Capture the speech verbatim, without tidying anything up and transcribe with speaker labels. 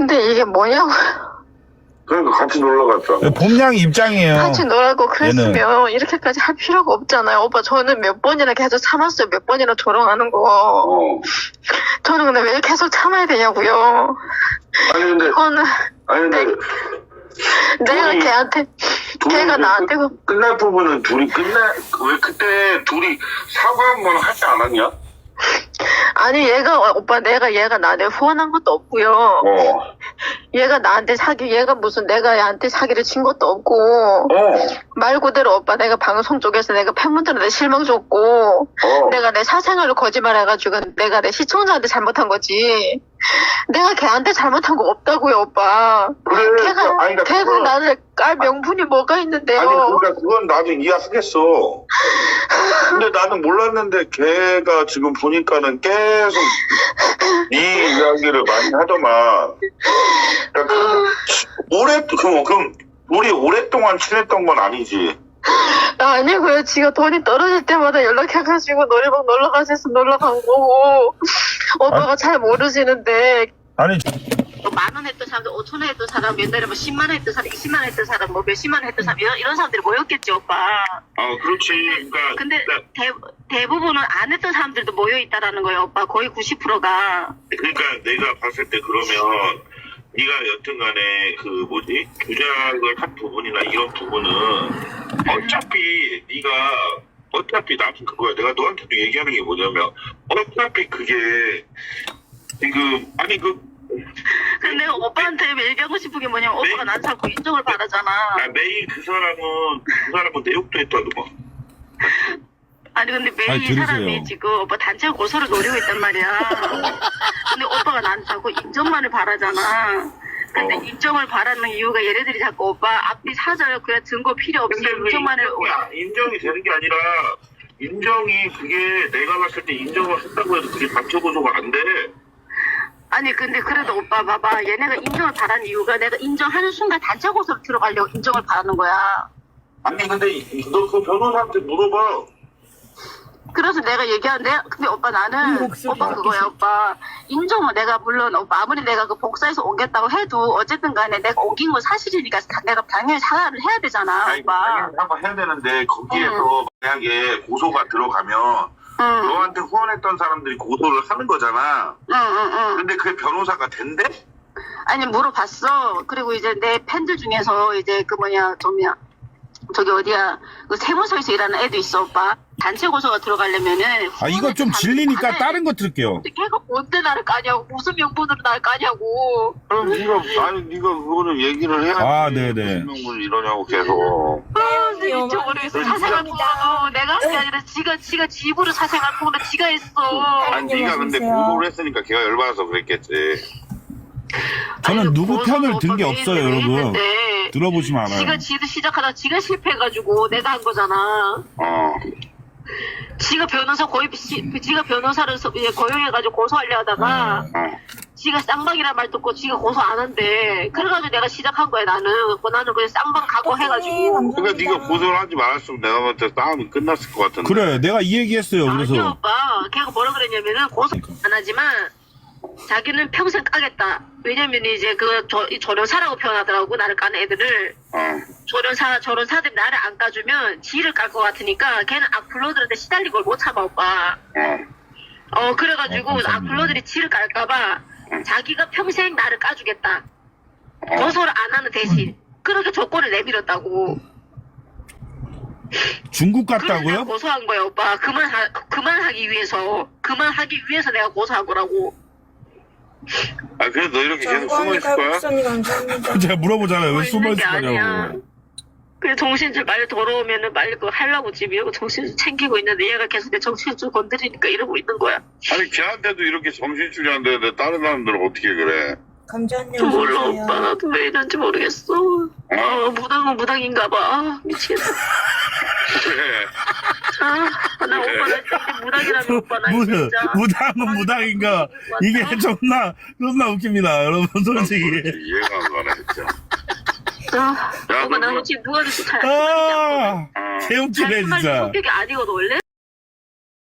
Speaker 1: 근데 이게 뭐냐고.
Speaker 2: 그러니까 같이 놀러 갔잖아.
Speaker 3: 봄양 입장이에요.
Speaker 1: 같이 놀라고 그랬으면
Speaker 3: 얘는.
Speaker 1: 이렇게까지 할 필요가 없잖아요. 오빠 저는 몇 번이나 계속 참았어요. 몇 번이나 조롱하는 거.
Speaker 2: 어.
Speaker 1: 저는 근데 왜 계속 참아야 되냐고요.
Speaker 2: 아니 근데
Speaker 1: 이거는
Speaker 2: 아니 근데
Speaker 1: 내가
Speaker 2: 둘이-
Speaker 1: 걔한테
Speaker 2: 둘이
Speaker 1: 걔가
Speaker 2: 그
Speaker 1: 나한테 그
Speaker 2: 끝- 끝날 부분은 둘이 끝날 왜 그때 둘이 사과 한 번 하지 않았냐?
Speaker 1: 아니 얘가 어, 오빠 내가 얘가 나한테 후원한 것도 없고요.
Speaker 2: 어.
Speaker 1: 얘가 나한테 사기 얘가 무슨 내가 얘한테 사기를 친 것도 없고
Speaker 2: 어.
Speaker 1: 말 그대로 오빠 내가 방송 쪽에서 내가 팬분들한테 실망 줬고
Speaker 2: 어.
Speaker 1: 내가 내 사생활을 거짓말해가지고 내가 내 시청자한테 잘못한 거지. 내가 걔한테 잘못한 거 없다고요, 오빠.
Speaker 2: 그래.
Speaker 1: 걔가
Speaker 2: 아니 그러니까
Speaker 1: 걔가
Speaker 2: 그건-
Speaker 1: 나를 깔 명분이 뭐가 있는데요?
Speaker 2: 아니 그러니까 그건 나도 이해하겠어. 근데 나는 몰랐는데 걔가 지금 보니까는 계속 이 이야기를 많이 하더만. 그러니까 그, 오래 그럼 그럼 우리 오랫동안 친했던 건 아니지.
Speaker 1: 아니고요. 지가 돈이 떨어질 때마다 연락해가지고 노래방 놀러 가셔서 놀러 간 거고 오빠가 잘 모르시는데
Speaker 3: 아니
Speaker 1: 만 원 했던 사람들, 오천 원 했던 사람, 옛날에 뭐 십만 원 했던 사람, 이십만 원 했던 사람, 뭐 몇십만 원 했던 사람 이런, 이런 사람들이 모였겠지 오빠.
Speaker 2: 아 그렇지. 그러니까
Speaker 1: 근데 대, 대부분은 안 했던 사람들도 모여 있다라는 거예요, 오빠. 거의 구십 퍼센트가.
Speaker 2: 그러니까 내가 봤을 때 그러면 네가 여튼간에 그 뭐지 조작을 한 부분이나 이런 부분은 어차피 네가 어차피 나도 그거야. 내가 너한테도 얘기하는 게 뭐냐면 어차피 그게 지금 아니 그
Speaker 1: 근데 오빠한테 얘기하고 싶은 게 뭐냐면 오빠가 난 자꾸 인정을 바라잖아.
Speaker 2: 아, 매일 그 사람은 그 사람은 내욕도 했다더만.
Speaker 1: 아니 근데 매일
Speaker 3: 아니,
Speaker 1: 이
Speaker 3: 들으세요.
Speaker 1: 사람이 지금 오빠 단체 고소를 노리고 있단 말이야. 근데 오빠가 난 자꾸 인정만을 바라잖아. 근데
Speaker 2: 어.
Speaker 1: 인정을 바라는 이유가 얘네들이 자꾸 오빠 앞뒤 사절 그냥 증거 필요 없이
Speaker 2: 근데 그
Speaker 1: 인정만을
Speaker 2: 인정이, 인정이 되는 게 아니라 인정이 그게 내가 봤을 때 인정을 했다고 해도 그게 단체 고소가 안 돼.
Speaker 1: 아니 근데 그래도 오빠 봐봐 얘네가 인정을 바라는 이유가 내가 인정하는 순간 단체 고소로 들어가려고 인정을 바라는 거야.
Speaker 2: 아니 근데 너 그 변호사한테 물어봐.
Speaker 1: 그래서 내가 얘기하는데 근데 오빠 나는 오빠 그거야 오빠 인정은 내가 물론 오빠 아무리 내가 그 복사해서 옮겼다고 해도 어쨌든 간에 내가 옮긴 건 사실이니까 다- 내가 당연히 사과를 해야 되잖아
Speaker 2: 아니,
Speaker 1: 오빠.
Speaker 2: 당연히 한번 해야 되는데 거기에서 만약에 고소가 들어가면
Speaker 1: 응,
Speaker 2: 너한테 후원했던 사람들이 고소를 하는 거잖아.
Speaker 1: 응, 응, 응.
Speaker 2: 근데 그게 변호사가 된대?
Speaker 1: 아니 물어봤어. 그리고 이제 내 팬들 중에서 이제 그 뭐냐 좀야 저기 어디야 그 세무서에서 일하는 애도 있어 오빠. 단체 고소가 들어가려면은
Speaker 3: 아 이거 좀 질리니까 다른 거 들을게요.
Speaker 1: 근데 걔가 뭔데 나를 까냐고 무슨 명분으로 나를 까냐고.
Speaker 2: 그럼 네가 아니 네가 그거는 얘기를 해야지.
Speaker 3: 아, 네네.
Speaker 2: 무슨 명분을 이러냐고 계속.
Speaker 1: 아, 근데 진짜 모르겠어. 사생활 폭로 내가 한 게 아니라 지가 지가 지 입으로 사생활 폭로 지가 했어.
Speaker 2: 아니 네가 근데 고소를 했으니까 걔가 열받아서 그랬겠지.
Speaker 3: 저는
Speaker 1: 아니,
Speaker 3: 누구
Speaker 1: 고소도
Speaker 3: 편을 든 게
Speaker 1: 오빠
Speaker 3: 없어요,
Speaker 1: 매일
Speaker 3: 여러분.
Speaker 1: 했는데
Speaker 3: 들어보시면
Speaker 1: 지가
Speaker 3: 알아요.
Speaker 1: 지도 시작하다 지가 실패해가지고 내가 한 거잖아.
Speaker 2: 어.
Speaker 1: 지가 변호사 고입 시, 지가 변호사를 서- 이제 고용해가지고 고소하려 하다가
Speaker 2: 어.
Speaker 1: 지가 쌍방이란 말 듣고 지가 고소 안 한대. 그래가지고 내가 시작한 거야 나는. 그 나는 그냥 쌍방 각오해가지고.
Speaker 2: 그러니까 네가 고소를 하지 말았으면 내가 볼 때 싸움이 끝났을 것 같은데.
Speaker 3: 그래, 내가 이 얘기했어요.
Speaker 1: 아니
Speaker 3: 그래서
Speaker 1: 오빠 걔가 뭐라 그랬냐면은 고소 안 하지만 자기는 평생 까겠다. 왜냐면 이제 그 저, 이 조련사라고 표현하더라고 나를 까는 애들을.
Speaker 2: 어.
Speaker 1: 조련사 조련사들이 나를 안 까주면 지를 깔 것 같으니까 걔는 악플러들한테 시달린 걸 못 참아 오빠.
Speaker 2: 어.
Speaker 1: 어 그래가지고
Speaker 3: 어, 감사합니다.
Speaker 1: 악플러들이 지를 깔까봐 자기가 평생 나를 까주겠다.
Speaker 2: 어.
Speaker 1: 고소를 안 하는 대신 그렇게 조건을 내밀었다고.
Speaker 3: 중국
Speaker 1: 그래서 내가
Speaker 3: 같다고요?
Speaker 1: 고소한 거야 오빠. 그만하 그만하기 위해서 그만하기 위해서 내가 고소한 거라고.
Speaker 2: 아 그래서 너 이렇게 계속 숨어 있을 거야?
Speaker 4: 갈국선이 감사합니다.
Speaker 3: 제가 물어보잖아요. 왜 숨어
Speaker 1: 있는 게
Speaker 3: 있을
Speaker 1: 아니야.
Speaker 3: 거냐고.
Speaker 1: 그래 정신줄 빨리 돌아오면은 빨리 그거 하려고 지금 이러고 정신줄 챙기고 있는데 얘가 계속 내 정신줄 건드리니까 이러고 있는 거야.
Speaker 2: 아니 걔한테도 이렇게 정신줄이 안 되는데 다른 사람들은 어떻게 그래?
Speaker 4: 감자님
Speaker 1: 몰라
Speaker 4: 어서오세요.
Speaker 1: 오빠 나도 왜 이런지 모르겠어. 아 무당은 무당인가 봐. 아 미치겠다.
Speaker 2: 그래.
Speaker 1: 아나 오빠 나 진짜 무당이라면 오빠 나
Speaker 3: 무,
Speaker 1: 진짜.
Speaker 3: 무당은 무당인가? 이게 존나, 존나 웃깁니다. 여러분, 솔직히.
Speaker 2: 이해가 안 가네 진짜.
Speaker 1: 아,
Speaker 2: 야,
Speaker 1: 오빠
Speaker 2: 너
Speaker 1: 나는
Speaker 2: 그거-
Speaker 1: 지금 누가 돼서 잘
Speaker 3: 아,
Speaker 2: 아.
Speaker 3: 개웃기네,
Speaker 1: 말
Speaker 3: 진짜.
Speaker 1: 성격이 아니거든 원래.